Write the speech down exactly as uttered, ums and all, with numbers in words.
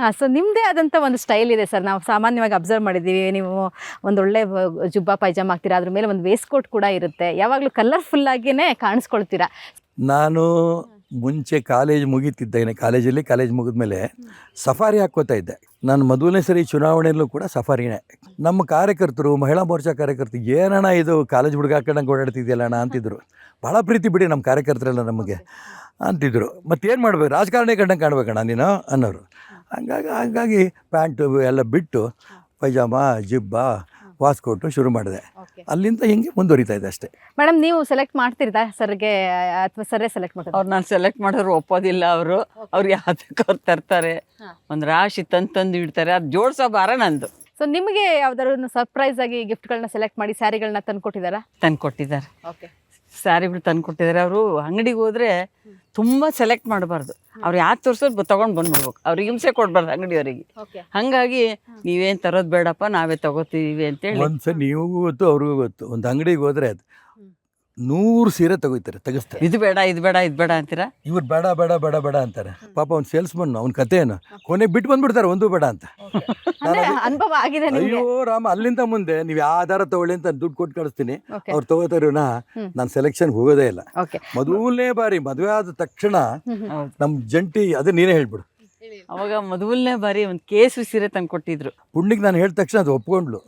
ಹಾಂ, ಸೊ ನಿಮ್ಮದೇ ಆದಂಥ ಒಂದು ಸ್ಟೈಲ್ ಇದೆ ಸರ್. ನಾವು ಸಾಮಾನ್ಯವಾಗಿ ಅಬ್ಸರ್ವ್ ಮಾಡಿದ್ದೀವಿ, ನೀವು ಒಂದೊಳ್ಳೆ ಜುಬ್ಬಾ ಪೈಜಾಮ ಹಾಕ್ತೀರಾ, ಅದ್ರ ಮೇಲೆ ಒಂದು ವೇಸ್ಟ್ ಕೋಟ್ ಕೂಡ ಇರುತ್ತೆ, ಯಾವಾಗಲೂ ಕಲರ್ಫುಲ್ಲಾಗಿಯೇ ಕಾಣಿಸ್ಕೊಳ್ತೀರಾ. ನಾನು ಮುಂಚೆ ಕಾಲೇಜ್ ಮುಗೀತಿದ್ದೇನೆ, ಕಾಲೇಜಲ್ಲಿ ಕಾಲೇಜ್ ಮುಗಿದ್ಮೇಲೆ ಸಫಾರಿ ಹಾಕ್ಕೋತಾ ಇದ್ದೆ. ನಾನು ಮೊದಲನೇ ಸರಿ ಚುನಾವಣೆಯಲ್ಲೂ ಕೂಡ ಸಫಾರಿನೇ. ನಮ್ಮ ಕಾರ್ಯಕರ್ತರು, ಮಹಿಳಾ ಮೋರ್ಚಾ ಕಾರ್ಯಕರ್ತರು, ಏನಣ್ಣ ಇದು ಕಾಲೇಜ್ ಹುಡುಗ ಹಾಕೊಂಡಂಗೆ ಓಡಾಡ್ತಿದ್ಯಲ್ಲ ಅಣ್ಣ ಅಂತಿದ್ರು. ಭಾಳ ಪ್ರೀತಿ ಬಿಡಿ ನಮ್ಮ ಕಾರ್ಯಕರ್ತರೆಲ್ಲ ನಮಗೆ ಅಂತಿದ್ರು. ಮತ್ತೇನು ಮಾಡಬೇಕು, ರಾಜಕಾರಣಿ ಕಂಡಂಗೆ ಕಾಣ್ಬೇಕಣ್ಣ ನೀನು ಅನ್ನೋರು. ಹಂಗಾಗಿ ಹಾಗಾಗಿ ಪ್ಯಾಂಟು ಎಲ್ಲ ಬಿಟ್ಟು ಪೈಜಾಮ ಜಿಬ್ಬಾ ವಾಸ್ಕೋಟು ಶುರು ಮಾಡಿದೆ. ಅಲ್ಲಿಂದ ಹಿಂಗೆ ಮುಂದುವರಿತಾ ಇದೆ ಅಷ್ಟೇ. ಮೇಡಮ್, ನೀವು ಸೆಲೆಕ್ಟ್ ಮಾಡ್ತಿರ್ತಾ ಸರ್ಗೆ ಅಥವಾ ಸರ್ರೇ ಸೆಲೆಕ್ಟ್ ಮಾಡ್ತಾರೆ? ಅವ್ರು ನಾನು ಸೆಲೆಕ್ಟ್ ಮಾಡೋರು ಒಪ್ಪೋದಿಲ್ಲ. ಅವರು ಅವ್ರು ಯಾವುದಕ್ಕೆ ಅವ್ರು ತರ್ತಾರೆ, ಒಂದು ರಾಶಿ ತಂದು ತಂದು ಇಡ್ತಾರೆ, ಅದು ಜೋಡಿಸೋ ಭಾರ ನಂದು. ಸೊ ನಿಮಗೆ ಯಾವ್ದಾದ್ರು ಸರ್ಪ್ರೈಸ್ ಆಗಿ ಗಿಫ್ಟ್ಗಳನ್ನ ಸೆಲೆಕ್ಟ್ ಮಾಡಿ ಸ್ಯಾರಿಗಳನ್ನ ತಂದು ಕೊಟ್ಟಿದ್ದಾರಾ? ತಂದು ಕೊಟ್ಟಿದ್ದಾರೆ, ಓಕೆ. ಸ್ಯಾರಿಗಳು ತಂದು ಕೊಟ್ಟಿದ್ದಾರೆ. ಅವರು ಅಂಗಡಿಗೆ ಹೋದರೆ ತುಂಬ ಸೆಲೆಕ್ಟ್ ಮಾಡಬಾರ್ದು, ಅವ್ರು ಯಾಕೆ ತೋರಿಸೋದು ತೊಗೊಂಡು ಬಂದ್ಬಿಡ್ಬೇಕು, ಅವ್ರಿಗೆ ಹಿಂಸೆ ಕೊಡಬಾರ್ದು ಅಂಗಡಿಯವರಿಗೆ. ಹಾಗಾಗಿ ನೀವೇನು ತರೋದು ಬೇಡಪ್ಪ, ನಾವೇ ತಗೋತೀವಿ ಅಂತೇಳಿ. ಒಂದ್ಸರಿ ನೀವು ಗೊತ್ತು ಅವ್ರಿಗೂ ಗೊತ್ತು, ಒಂದು ಅಂಗಡಿಗೆ ಹೋದರೆ ಅದು ನೂರು ಸೀರೆ ತಗೋತಾರೆ, ತೆಗಿಸ್ತಾರೆ. ಇದು ಬೇಡ ಇದು ಬೇಡ ಇದು ಬೇಡ ಅಂತೀರಾ, ಇವ್ರು ಬೇಡ ಬೇಡ ಬೇಡ ಬೇಡ ಅಂತಾರೆ. ಪಾಪ ಅವ್ನು ಸೇಲ್ಸ್ಮನ್, ಅವ್ನ ಕತೆ ಏನು, ಕೊನೆಗೆ ಬಿಟ್ಟು ಬಂದ್ಬಿಡ್ತಾರೆ ಒಂದು ಬೇಡ ಅಂತ. ಅನುಭವ ಆಗಿದೆ ನಿಮ್ಗೆ? ಅಯ್ಯೋ ರಾಮ, ಅಲ್ಲಿಂದ ಮುಂದೆ ನೀವು ಯಾವ್ದಾರ ತಗೊಳ್ಳಿ ಅಂತ ದುಡ್ಡು ಕೊಟ್ಟು ಕಳಿಸ್ತೀನಿ, ಅವ್ರು ತಗೋತಾರನ ನಾನು ಸೆಲೆಕ್ಷನ್ಗೆ ಹೋಗೋದೇ ಇಲ್ಲ. ಮೊದಲನೇ ಬಾರಿ ಮದುವೆ ಆದ ತಕ್ಷಣ ನಮ್ಮ ಜಂಟಿ, ಅದು ನೀನೇ ಹೇಳ್ಬಿಡು. ಅವಾಗ ಮೊದಲನೇ ಬಾರಿ ಒಂದು ಕೇಸರಿ ಸೀರೆ ತಂದು ಕೊಟ್ಟಿದ್ರು. ಪುಣ್ಯಕ್ಕೆ ನಾನು ಹೇಳಿದ ತಕ್ಷಣ ಅದು ಒಪ್ಕೊಂಡ್ಲು.